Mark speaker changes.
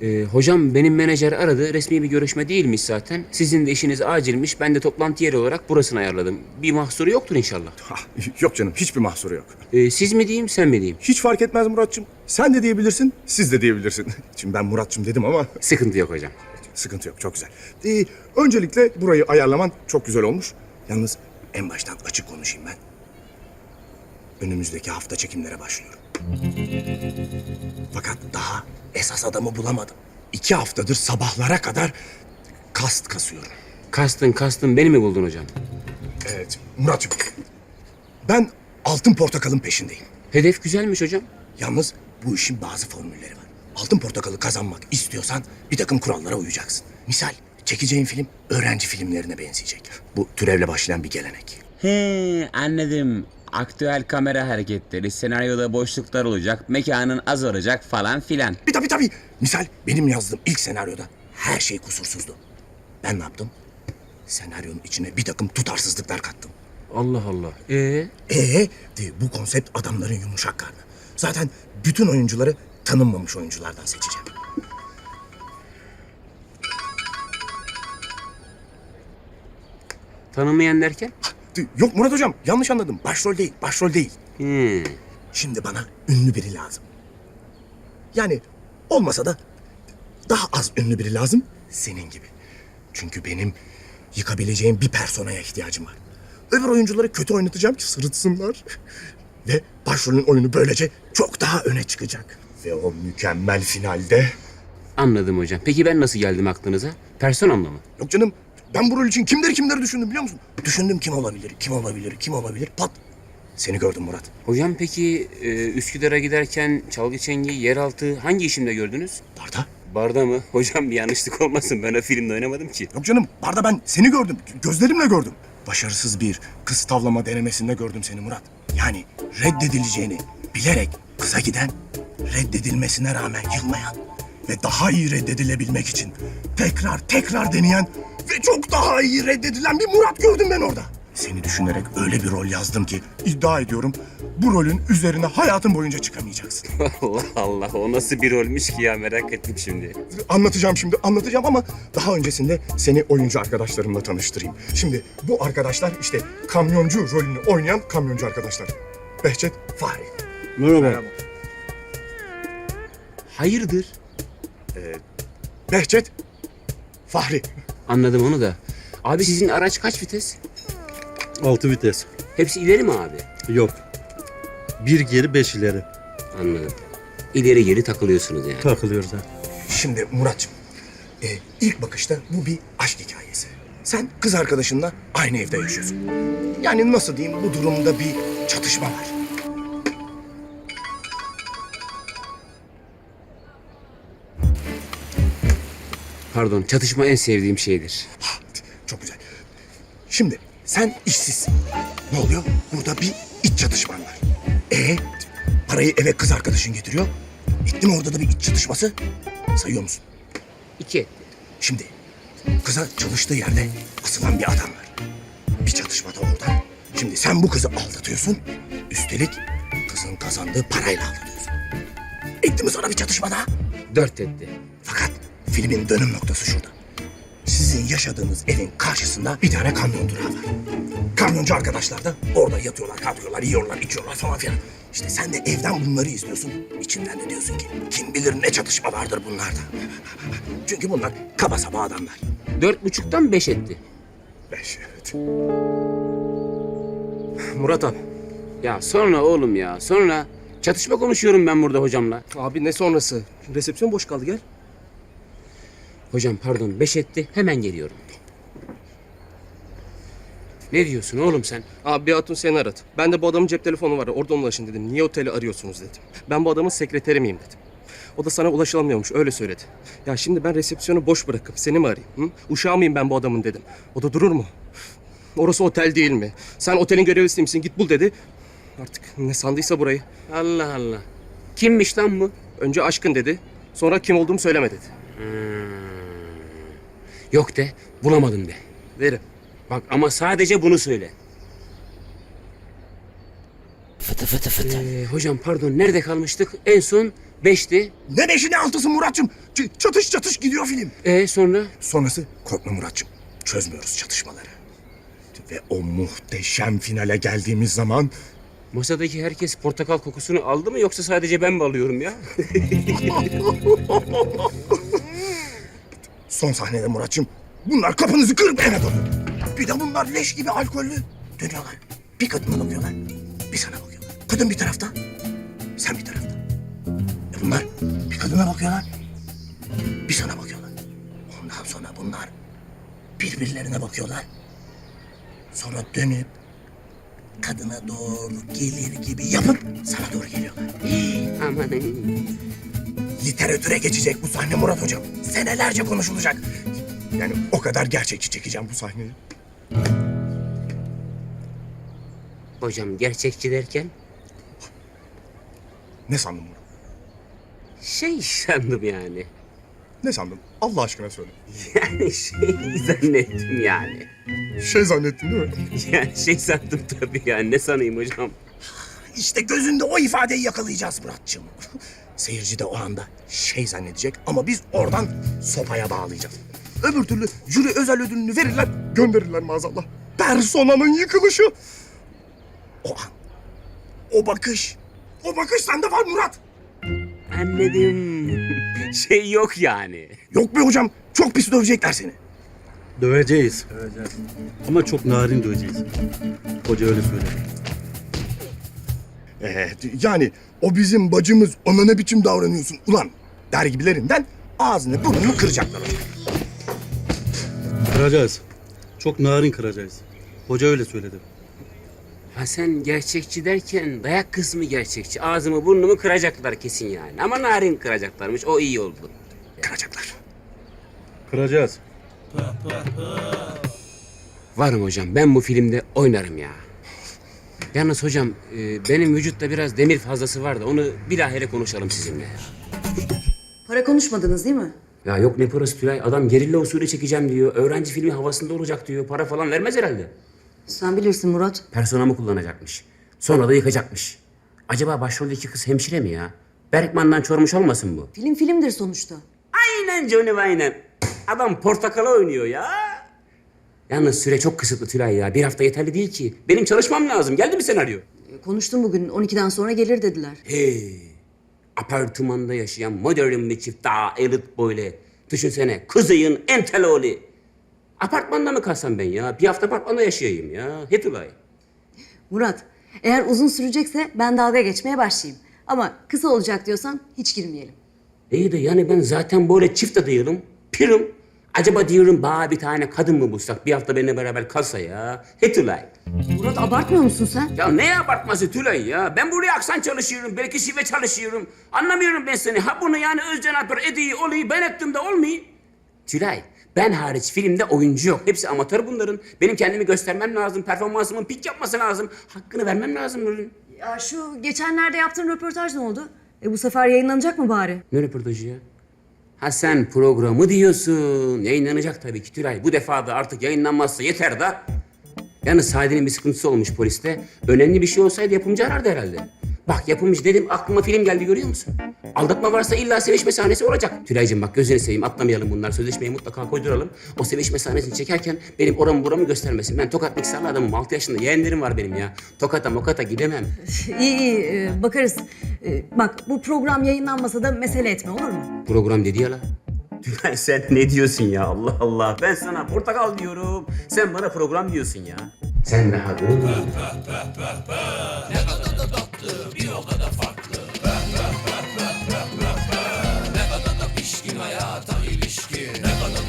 Speaker 1: Hocam benim menajer aradı. Resmi bir görüşme değilmiş zaten. Sizin de işiniz acilmiş. Ben de toplantı yeri olarak burasını ayarladım. Bir mahsuru yoktur inşallah.
Speaker 2: Yok canım, hiçbir mahsuru yok.
Speaker 1: Siz mi diyeyim, sen mi diyeyim?
Speaker 2: Hiç fark etmez Muratçım. Sen de diyebilirsin, siz de diyebilirsin. Şimdi ben Muratçım dedim ama
Speaker 1: Sıkıntı yok hocam.
Speaker 2: sıkıntı yok, çok güzel. Öncelikle burayı ayarlaman çok güzel olmuş. Yalnız en baştan açık konuşayım ben. Önümüzdeki hafta çekimlere başlıyorum. Fakat daha esas adamı bulamadım. 2 haftadır sabahlara kadar kast kasıyorum.
Speaker 1: Kastın beni mi buldun hocam?
Speaker 2: Evet Murat'cığım, ben altın portakalın peşindeyim.
Speaker 1: Hedef güzelmiş hocam.
Speaker 2: Yalnız bu işin bazı formülleri var. Altın portakalı kazanmak istiyorsan bir takım kurallara uyacaksın. Misal çekeceğin film öğrenci filmlerine benzeyecek. Bu türevle başlayan bir gelenek.
Speaker 3: He, anladım. Aktüel kamera hareketleri, senaryoda boşluklar olacak, mekanın az olacak falan filan.
Speaker 2: Tabii. Misal benim yazdığım ilk senaryoda her şey kusursuzdu. Ben ne yaptım? Senaryonun içine bir takım tutarsızlıklar kattım.
Speaker 1: Allah Allah.
Speaker 2: Bu konsept adamların yumuşak karnı. Zaten bütün oyuncuları tanınmamış oyunculardan seçeceğim.
Speaker 1: Tanınmayan derken?
Speaker 2: Yok Murat hocam, yanlış anladım. Başrol değil.
Speaker 1: Hmm.
Speaker 2: Şimdi bana ünlü biri lazım. Yani olmasa da daha az ünlü biri lazım, senin gibi. Çünkü benim yıkabileceğim bir personaya ihtiyacım var. Öbür oyuncuları kötü oynatacağım ki sırıtsınlar. Ve başrolün oyunu böylece çok daha öne çıkacak. Ve o mükemmel finalde...
Speaker 1: Anladım hocam. Peki ben nasıl geldim aklınıza? Personamla mı?
Speaker 2: Yok canım, ben bu rol için kimleri düşündüm biliyor musun? Düşündüm kim olabilir, pat. Seni gördüm Murat.
Speaker 1: Hocam peki Üsküdar'a giderken çalgı çengi, yeraltı hangi işimde gördünüz?
Speaker 2: Barda?
Speaker 1: Barda mı? Hocam bir yanlışlık olmasın. Ben o filmde oynamadım ki.
Speaker 2: Yok canım, barda ben seni gördüm. Gözlerimle gördüm. Başarısız bir kız tavlama denemesinde gördüm seni Murat. Yani reddedileceğini bilerek kıza giden, reddedilmesine rağmen yılmayan ve daha iyi reddedilebilmek için tekrar deneyen ve çok daha iyi reddedilen bir Murat gördüm ben orada. Seni düşünerek öyle bir rol yazdım ki iddia ediyorum bu rolün üzerine hayatın boyunca çıkamayacaksın.
Speaker 1: Allah Allah. O nasıl bir rolmüş ki ya, merak ettim şimdi.
Speaker 2: Anlatacağım ama daha öncesinde seni oyuncu arkadaşlarımla tanıştırayım. Şimdi bu arkadaşlar işte kamyoncu rolünü oynayan kamyoncu arkadaşlar. Behçet, Fahri.
Speaker 4: Merhaba.
Speaker 1: Hayırdır?
Speaker 2: Behçet, Fahri.
Speaker 1: Anladım onu da. Abi sizin araç kaç vites?
Speaker 4: 6 vites.
Speaker 1: Hepsi ileri mi abi?
Speaker 4: Yok. 1 geri 5 ileri.
Speaker 1: Anladım. İleri geri takılıyorsunuz yani.
Speaker 4: Takılıyoruz ha.
Speaker 2: Şimdi Muratçım, ilk bakışta bu bir aşk hikayesi. Sen kız arkadaşınla aynı evde yaşıyorsun. Yani nasıl diyeyim, bu durumda bir çatışma var.
Speaker 1: Pardon, çatışma en sevdiğim şeydir.
Speaker 2: Çok güzel. Şimdi sen işsizsin. Ne oluyor? Burada bir iç çatışman var. Parayı eve kız arkadaşın getiriyor. Etti mi orada da bir iç çatışması? Sayıyor musun?
Speaker 1: 2.
Speaker 2: Şimdi kıza çalıştığı yerde asılan bir adam var. Bir çatışmada oradan. Şimdi sen bu kızı aldatıyorsun. Üstelik kızın kazandığı parayla aldatıyorsun. Etti mi sonra bir çatışma daha?
Speaker 1: 4 etti.
Speaker 2: Fakat filmin dönüm noktası şurada. Sizin yaşadığınız evin karşısında bir tane kamyon durağı var. Kamyoncu arkadaşlar da orada yatıyorlar, kalkıyorlar, yiyorlar, içiyorlar falan filan. İşte sen de evden bunları izliyorsun. İçinden de diyorsun ki kim bilir ne çatışma vardır bunlarda. Çünkü bunlar kaba saba adamlar.
Speaker 1: 4,5'tan 5 etti.
Speaker 2: 5, evet.
Speaker 5: Murat abi.
Speaker 1: Ya sonra oğlum ya, sonra çatışma konuşuyorum ben burada hocamla.
Speaker 5: Abi ne sonrası? Resepsiyon boş kaldı, gel.
Speaker 1: Hocam pardon, 5 etti, hemen geliyorum. Ne diyorsun oğlum sen?
Speaker 5: Abi bir hatun seni aradı. Ben de bu adamın cep telefonu var. Oradan ulaşın dedim. Niye oteli arıyorsunuz dedim. Ben bu adamın sekreteri miyim dedim. O da sana ulaşılamıyormuş, öyle söyledi. Ya şimdi ben resepsiyonu boş bırakıp seni mi arayayım? Hı? Uşağı mıyım ben bu adamın dedim. O da durur mu? Orası otel değil mi? Sen otelin görevlisi misin? Git bul dedi. Artık ne sandıysa burayı.
Speaker 1: Allah Allah. Kimmiş lan bu?
Speaker 5: Önce aşkın dedi. Sonra kim olduğumu söyleme dedi.
Speaker 1: Yok de, bulamadım de.
Speaker 5: Derim.
Speaker 1: Bak ama sadece bunu söyle.
Speaker 3: Fıtı fıtı fıtı.
Speaker 1: Hocam pardon, nerede kalmıştık? En son 5'ti.
Speaker 2: Ne beşi ne altısı Muratçım. Çatış çatış gidiyor film.
Speaker 1: Sonra?
Speaker 2: Sonrası korkma Muratçım. Çözmüyoruz çatışmaları. Ve o muhteşem finale geldiğimiz zaman
Speaker 1: Masadaki herkes portakal kokusunu aldı mı yoksa sadece ben mi alıyorum ya?
Speaker 2: son sahnede Muratçım bunlar kapınızı kırıp eve dönüyor. Bir de bunlar leş gibi alkollü dönüyorlar. Bir kadına bakıyorlar, bir sana bakıyorlar. Kadın bir tarafta, sen bir tarafta. Bunlar bir kadına bakıyorlar, bir sana bakıyorlar. Ondan sonra bunlar birbirlerine bakıyorlar. Sonra dönüp kadına doğru gelir gibi yapıp sana doğru geliyorlar.
Speaker 1: Amanın.
Speaker 2: Literatüre geçecek bu sahne Murat Hocam. Senelerce konuşulacak. Yani o kadar gerçekçi çekeceğim bu sahneyi.
Speaker 1: Hocam gerçekçi derken
Speaker 2: Ne sandın Murat?
Speaker 1: şey sandım yani.
Speaker 2: Ne sandın? Allah aşkına söyle.
Speaker 1: Yani şey zannettim yani.
Speaker 2: Şey zannettin değil mi?
Speaker 1: Yani şey sandım tabii yani. Ne sanayım hocam?
Speaker 2: İşte gözünde o ifadeyi yakalayacağız Muratçım. Seyirci de o anda şey zannedecek ama biz oradan sopaya bağlayacağız. Öbür türlü jüri özel ödülünü verirler, gönderirler maazallah. Personanın yıkılışı. O an, o bakış sende var Murat.
Speaker 1: Anladım. Şey yok yani.
Speaker 2: Yok be hocam, çok pis dövecekler seni.
Speaker 4: Döveceğiz. Ama çok narin döveceğiz. Hoca öyle söyledi.
Speaker 2: Yani o bizim bacımız, ona ne biçim davranıyorsun ulan der gibilerinden ağzını burnunu kıracaklar hocam.
Speaker 4: Kıracağız. Çok narin kıracağız. Hoca öyle söyledi.
Speaker 1: Ha sen gerçekçi derken dayak kısmı gerçekçi. Ağzımı burnumu kıracaklar kesin yani. Ama narin kıracaklarmış. O iyi oldu.
Speaker 2: Kıracaklar.
Speaker 4: Kıracağız.
Speaker 1: Varım hocam. Ben bu filmde oynarım ya. Yalnız hocam benim vücutta biraz demir fazlası var da onu bilahare konuşalım sizinle.
Speaker 6: Para konuşmadınız değil mi?
Speaker 1: Ya yok ne parası Tülay. Adam gerilla usulü çekeceğim diyor. Öğrenci filmi havasında olacak diyor. Para falan vermez herhalde.
Speaker 6: Sen bilirsin Murat.
Speaker 1: Personamı kullanacakmış. Sonra da yıkacakmış. Acaba başroldeki kız hemşire mi ya? Berkman'dan çormuş olmasın bu?
Speaker 6: Film filmdir sonuçta.
Speaker 1: Aynen Johnny aynen. Adam portakala oynuyor ya. Yalnız süre çok kısıtlı Tülay ya. Bir hafta yeterli değil ki. Benim çalışmam lazım. Geldi mi senaryo?
Speaker 6: Konuştum bugün 12'den sonra gelir dediler.
Speaker 1: Hey. Apartmanda yaşayan modern bir çift daha elit böyle. Düşünsene kızıyın entel oğlu. Apartmanda mı kalsam ben ya? Bir hafta apartmanda yaşayayım ya. He Tülay.
Speaker 6: Murat, eğer uzun sürecekse ben dalga geçmeye başlayayım. Ama kısa olacak diyorsan hiç girmeyelim.
Speaker 1: İyi de yani ben zaten böyle çift de değilim. Pirim. Acaba diyorum bana bir tane kadın mı bulsak bir hafta benimle beraber kalsa ya. He Tülay.
Speaker 6: Murat abartmıyor musun sen?
Speaker 1: Ya ne abartması Tülay ya? Ben buraya aksan çalışıyorum, belki şive çalışıyorum. Anlamıyorum ben seni. Ha bunu yani Özcan Alper Edi'yi olayı ben ettim de olmuyor. Tülay, ben hariç filmde oyuncu yok. Hepsi amatör bunların. Benim kendimi göstermem lazım, performansımın pik yapması lazım. Hakkını vermem lazım bunun.
Speaker 6: Ya şu geçenlerde yaptığın röportaj ne oldu? Bu sefer yayınlanacak mı bari?
Speaker 1: Ne röportajı ya? Ha sen programı diyorsun. Yayınlanacak tabii ki Tülay. Bu defa da artık yayınlanmazsa yeter da. Yalnız Sadi'nin bir sıkıntısı olmuş poliste. Önemli bir şey olsaydı yapımcı arardı herhalde. Bak yapımcı dedim aklıma film geldi görüyor musun? Aldatma varsa illa sevişme sahnesi olacak. Tülay'cığım bak gözünü seveyim atlamayalım bunlar. Sözleşmeyi mutlaka koyduralım. O sevişme sahnesini çekerken benim oramı buramı göstermesin. Ben Tokat mikserli adamım. 6 yaşında yeğenlerim var benim ya. Tokata mokata gidemem.
Speaker 6: İyi bakarız. Bak bu program yayınlanmasa da mesele etme olur mu?
Speaker 1: Program dedi ya la. Tülay sen ne diyorsun ya Allah Allah. Ben sana portakal diyorum. Sen bana program diyorsun ya. Sen daha dur.